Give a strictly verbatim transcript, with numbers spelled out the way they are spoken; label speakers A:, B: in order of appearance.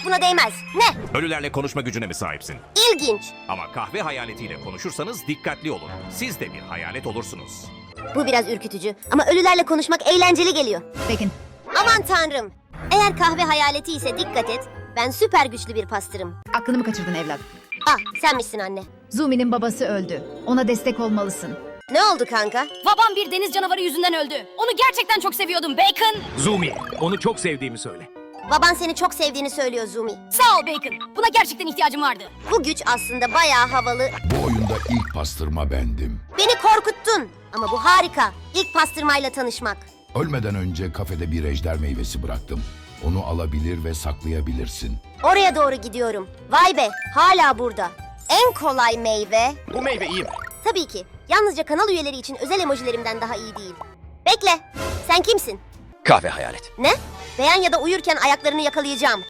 A: buna değmez. Ne?
B: Ölülerle konuşma gücüne mi sahipsin?
A: İlginç.
B: Ama kahve hayaletiyle konuşursanız dikkatli olun. Siz de bir hayalet olursunuz.
A: Bu biraz ürkütücü ama ölülerle konuşmak eğlenceli geliyor.
C: Bacon.
A: Aman tanrım. Eğer kahve hayaleti ise dikkat et. Ben süper güçlü bir pastırım.
C: Aklını mı kaçırdın evlat?
A: Ah, sen misin anne?
C: Zumi'nin babası öldü. Ona destek olmalısın.
A: Ne oldu kanka?
D: Babam bir deniz canavarı yüzünden öldü. Onu gerçekten çok seviyordum Bacon.
E: Zumi, onu çok sevdiğimi söyle.
A: Baban seni çok sevdiğini söylüyor Zumi.
D: Sağ ol Bacon. Buna gerçekten ihtiyacım vardı.
A: Bu güç aslında bayağı havalı.
F: Bu oyunda ilk pastırma bendim.
A: Beni korkuttun. Ama bu harika. İlk pastırmayla tanışmak.
F: Ölmeden önce kafede bir ejder meyvesi bıraktım. Onu alabilir ve saklayabilirsin.
A: Oraya doğru gidiyorum. Vay be, hala burada. En kolay meyve.
E: Bu meyve iyi mi?
A: Tabii ki. Yalnızca kanal üyeleri için özel emojilerimden daha iyi değil. Bekle. Sen kimsin?
E: Kahve hayalet.
A: Ne? Beğen ya da uyurken ayaklarını yakalayacağım.